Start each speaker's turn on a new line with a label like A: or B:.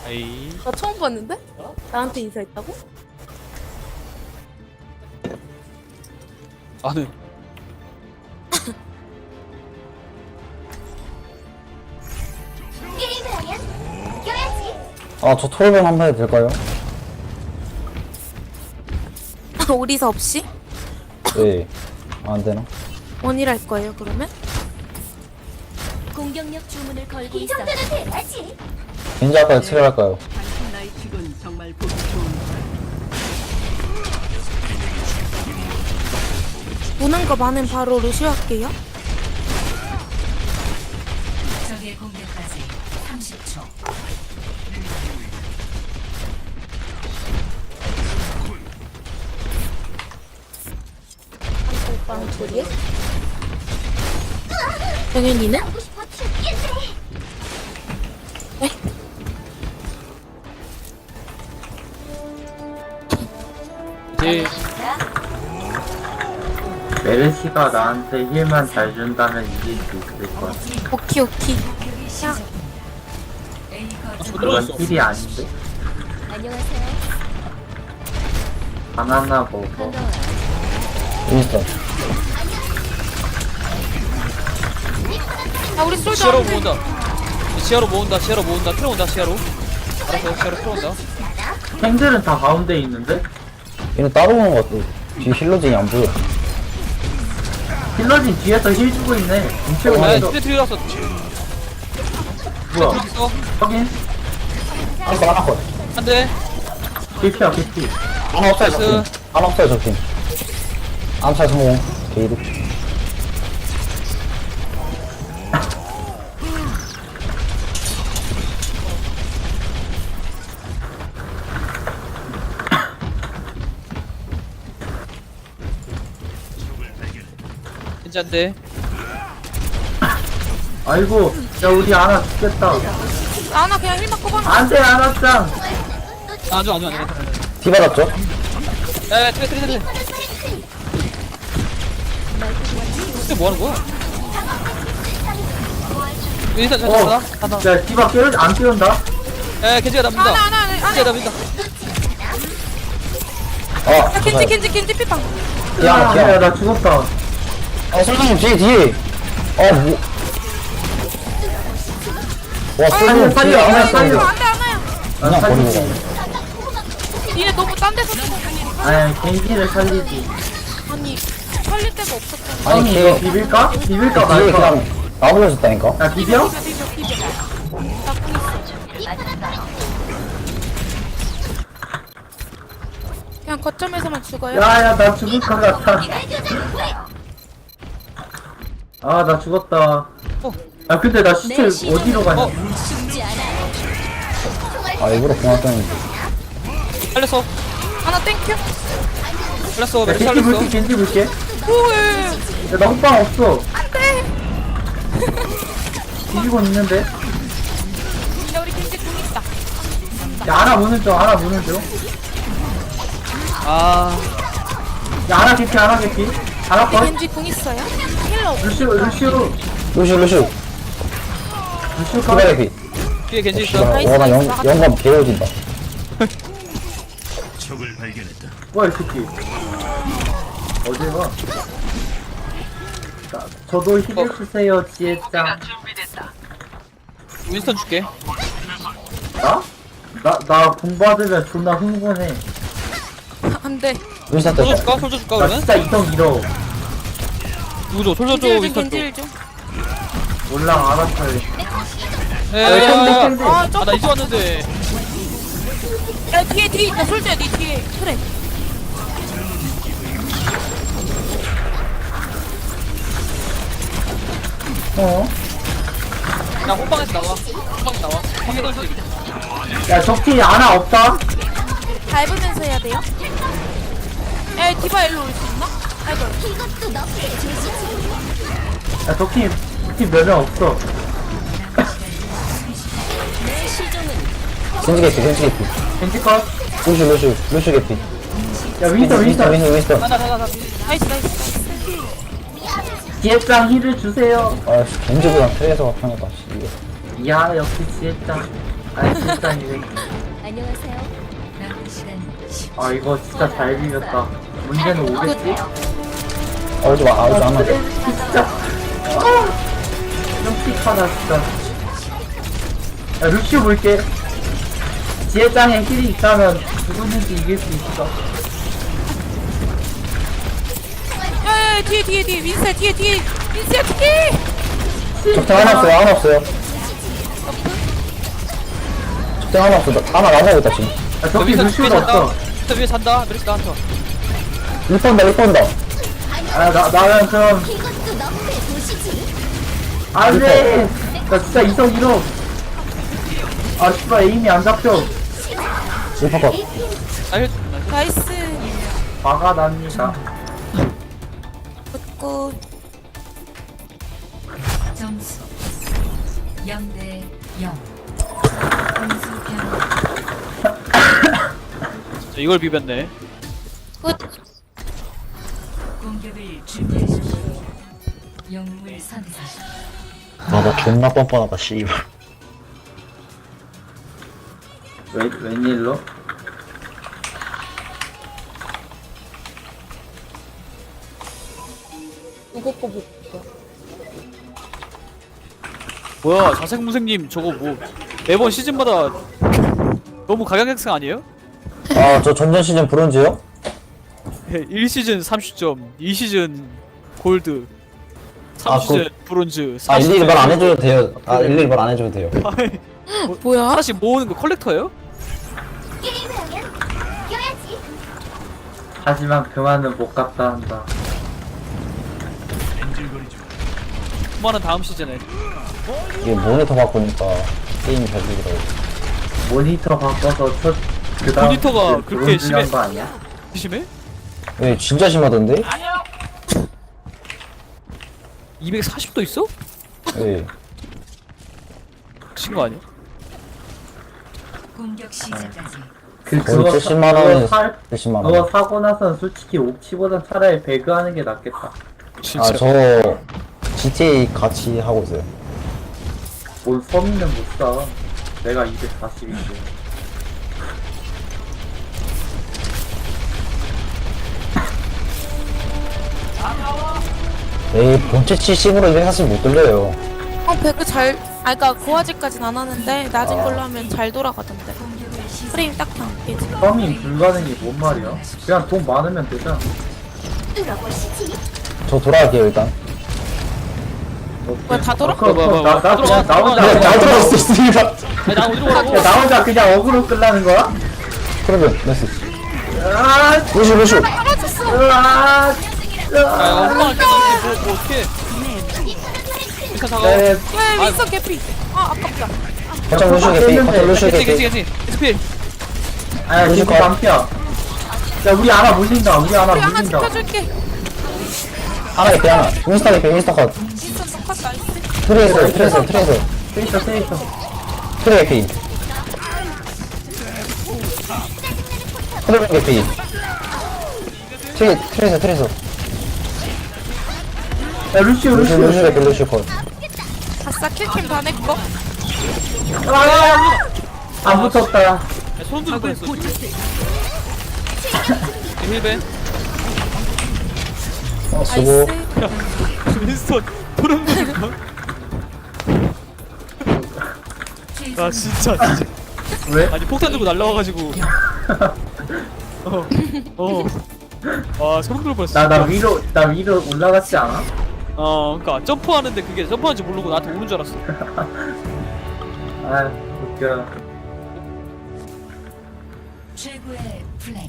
A: 아이.
B: 나 처음 봤는데? 나한테 인사했다고?
A: 나는
C: 게임을 하면 이겨야지.
D: 아, 저 토르벤 한번 해도 될까요?
B: 오리사 없이?
D: 네. 안 되나?
B: 원이랄 거예요 그러면?
C: 공격력 주문을 걸고 있어. 이 정도는 돼야지.
D: 겐지 할까요? 트레 할까요?
E: 단순 나이킥은 정말 보기 좋은
B: 무는 거 많은 바로 루시오 할게요.
F: 적의 공격까지 30초.
B: 오빠랑 둘이? 영현이는?
C: 하고 싶어 죽겠네.
B: 네?
A: 이제
G: 메르시가 나한테 힐만 잘 준다면 이길 수 있을 거야.
B: 오키 오키. 야,
F: A 거점
G: 그건
A: 들어갔어.
G: 힐이 아닌데?
C: 안녕하세요.
G: 바나나 먹어.
C: 반가워요.
D: 윈스턴.
B: 아 우리 솔도
A: 시야로
B: 안 돼.
A: 모은다. 시야로 모은다. 시야로 모은다. 틀어온다. 시야로. 알았어. 시야로 틀어온다.
G: 탱들은 다 가운데 있는데?
D: 얘는 따로 오는 것 같아. 뒤에 힐러진이 안 보여.
G: 힐러진 뒤에서 힐 주고 있네. 인체고
A: 아,
G: 있어.
A: 트레 들어갔어.
G: 뭐야?
A: 있어.
G: 확인?
D: 한번 하나 컷.
A: 한 대.
G: 개피야 개피.
D: 하나 없어요,
A: 나이스.
D: 적팀. 하나 없어요, 적팀. 암살 성공. 게이드.
A: 괜찮대.
G: 아이고, 야 우리 아나 죽겠다.
B: 나나 그냥 힐 맞고 봐.
G: 안돼 아나짱.
A: 안 줘, 안 줘, 안 줘.
D: 디 받았죠?
A: 야, 트레. 근데 뭐 하는 거야? 일단 잘
G: 어.
A: 잡아.
G: 야 디바 안 깨운다.
A: 에, 겐지가 납니다.
B: 하나.
A: 겐지가 납니다.
D: 아,
B: 야 겐지 피방.
D: 디아나, 디아나.
G: 야나 죽었다.
D: 아, 솔직히 뒤에. 아, 뭐. 와,
G: 살려,
D: 솔직히
G: 살려,
D: 뒤에 안
G: 살려,
D: 했어.
G: 살려.
B: 안돼 안해.
D: 그냥 버리고 가.
B: 니네 너무 딴 데서 죽어.
G: 아니 겐지를 살리지.
B: 아니 살릴 데가 없었잖아.
D: 아니,
G: 아니
D: 걔,
G: 이거 비빌까? 비빌까
D: 뒤에
G: 말까?
D: 그냥 나불려졌다니까?
G: 야 비벼?
B: 비벼. 나쁜 있어. 그냥 거점에서만 죽어요.
G: 야야 나 죽을 것 같아. 아 나 죽었다. 아 근데 나 시체 어디로 가냐?
C: 죽지 않아.
D: 아, 일부러 공학 떴는데.
A: 살렸어.
B: 하나 땡큐.
A: 살렸어.
G: 야
A: 맥주
G: 겐지
A: 살렸어.
G: 볼게 겐지 볼게.
B: 오에.
G: 야나 호빵 없어.
B: 안돼.
G: 뒤지고 있는데.
B: 야 우리 겐지 궁 있다.
G: 야 하나 무는 중 하나 무는 중.
A: 아,
G: 야 하나 개피 하나 개피. 하나
B: 우리
G: 컷.
B: 겐지 궁 있어요? 힐러 없어.
G: 루시오
D: 루슈.
G: 컷.
D: 키바레피.
A: 뒤에 겐지 있어.
D: 씨발, 와, 나 영감 개어진다.
G: 뭐야 이 새끼. 어딜 가? 저도 힐을 주세요 지혜짱.
A: 윈스턴 줄게.
G: 나? 나 공부받으면 존나 흥분해.
B: 안돼.
D: 윈스턴
A: 솔져
D: 떴다.
A: 줄까? 솔져 줄까
G: 나
A: 그러면?
G: 진짜 이성 잃어.
A: 누구 줘? 솔져 줘.
B: 겐지
A: 윈스턴 줘.
B: 겐지 좀.
G: 몰라 알았어.
A: 에,
G: 땡땡땡.
B: 아
A: 아, 나 이제 왔는데.
B: 야 뒤에 있다. 솔직히 네 뒤에. 그래.
G: 어?
A: 야, 호빵에서 나와. 호빵에서 나와. 호빵에 던지.
G: 야 적팀 하나 없다?
B: 밟으면서 해야 돼요? 야 디바 일로 올 수 있나? 아이고.
C: 이것도 너프의 제시지.
G: 야 적팀 몇 명 없어.
C: 내 시종은
D: 겐지 개피.
G: 겐지 컷.
D: 루슈 개피.
G: 야 윈스턴.
D: 윈스턴.
A: 나.
B: 나이스.
G: 지혜짱 힐을 주세요.
D: 아, 겐지보다 트레이서가 편하다, 씨.
G: 야 역시 지혜짱. 아니 진짜 이게
C: 안녕하세요.
F: 남은 시간 10초.
G: 아 이거 진짜 잘 비볐다. 문제는 오겠지?
D: 오지 마, 오지 마.
G: 진짜 끔찍하다 진짜. 야 루시오 볼게. 지혜짱에 힐이 있다면 누구든지 이길 수 있어.
B: 야야야 뒤에 민세 뒤에 민세야 뒤에.
D: 적당 하나 없어요, 하나 없어요. 적당 하나 없어. 하나 나가고 있다, 지금.
G: 야 저기
A: 위에
G: 루시오가
A: 산다.
G: 없어.
A: 윈스턴 위에 산다. 메르시 나한테.
D: 1번다, 1번다.
G: 나는 그럼
C: 이것도 너무해 보시지.
G: 안돼. 나 진짜 이성 잃어. 아 씨발 에임이 안 잡혀.
D: 1번 컷.
B: 나이스.
G: 화가 납니다.
B: 굿굿.
F: 점수 0대 0. 공수 변화.
A: 이걸 비볐네.
B: 굿.
F: 공격을 준비하십시오. 영웅을 선택하십시오.
D: 아, 나 존나 뻔뻔하다, 씨발.
G: 웬일로?
B: 이거 거 볼까?
A: 뭐야 자생무생님 저거 뭐 매번 시즌마다 너무 각양각색 아니에요?
D: 아, 저 전전 시즌 브론즈요?
A: 1시즌 30점, 2시즌 골드,
D: 아,
A: 3시즌 브론즈,
D: 아,
A: 4시즌
D: 일일이 말 안 해줘도 돼요. 아, 일일이 말 안 해줘도 돼요.
B: 뭐야?
A: 하나씩 모으는 거 컬렉터예요?
C: 게임을 하면 이겨야지.
G: 하지만 그만은 못 갔다 한다.
A: 그만은 다음 시즌에.
D: 이게 모니터 바꾸니까 게임이 잘 되더라고.
G: 모니터 바꿔서 그 다음
A: 모니터가 그렇게 심해?
G: 거 아니야?
A: 심해?
D: 네, 진짜 심하던데?
A: 240도 있어?
D: 네.
A: 미친 거 아니야?
F: 공격 시작까지
G: 그거
D: 70만 원에
G: 사-
D: 70만
G: 그거
D: 원.
G: 사고 나서는 솔직히 옥치보단 차라리 배그하는 게 낫겠다.
A: 진짜.
D: 아, 저 GTA 같이 하고 있어요.
G: 뭔 서민은 못 사. 내가 240인데.
D: 에이, 본체 70으로 240 못 돌려요.
B: 배그 잘. 아 그니까 고화질까진 안 하는데 낮은
D: 아.
B: 걸로 하면 잘 돌아가던데. 프레임 딱히 안 깨지.
G: 서민 불가능이 뭔 말이야? 그냥 돈 많으면 되잖아.
C: 뚫어보시지.
D: 저 돌아갈게요, 일단.
B: 뭐야 다 돌아?
G: 그럼
A: 뭐야.
G: 나
A: 들어가,
G: 혼자
A: 들어가.
D: 잘 돌아왔습니다.
A: 아니 나 어디로 가라고?
G: 야, 나 혼자 그냥 어그로 끌라는 거야?
D: 그러면, 나이스.
G: 아,
D: 루슈, 루슈.
G: 으아,
A: 야 한방을 깨졌는데 뭐 어떡해. 일단 작업.
G: 네,
B: 야 윈서 개피. 아 아깝다.
D: 거점 루슈 개피, 거점 루슈
A: 괜찮지
D: 개피.
A: 괜찮지. 스필.
G: 아,
D: 루시
G: 루시
D: 컷.
G: 반피야. 야, 우리 하나 물린다. 우리 하나
B: 우리 하나
G: 물린다.
B: 지켜줄게.
D: 하나 개피, 하나. 인스타 개피, 인스타 컷.
B: 윈서 똑같 나이스.
D: 트레이서.
G: 세이터, 세이터.
D: 트레 개피. 트레 개피. 트레이서.
G: 야, 루시오,
D: 루슈
G: 루시오.
D: 개피, 루슈 컷.
B: 아싸 킬캠 다 내꺼.
G: 안 붙었다.
A: 야, 손 들고 했어. 힐벤.
D: 수고.
B: 나이스.
A: 윈스턴 도름 도는 거. 아 진짜.
G: 왜?
A: 아니 폭탄 들고 날라와가지고. 와 소름 돋을 뻔했어.
G: 나 위로 올라갔지 않아?
A: 그니까 점프하는데 그게 점프하는지 모르고 나한테 오는 줄 알았어.
G: 아, 웃겨.
F: 최고의 플레이.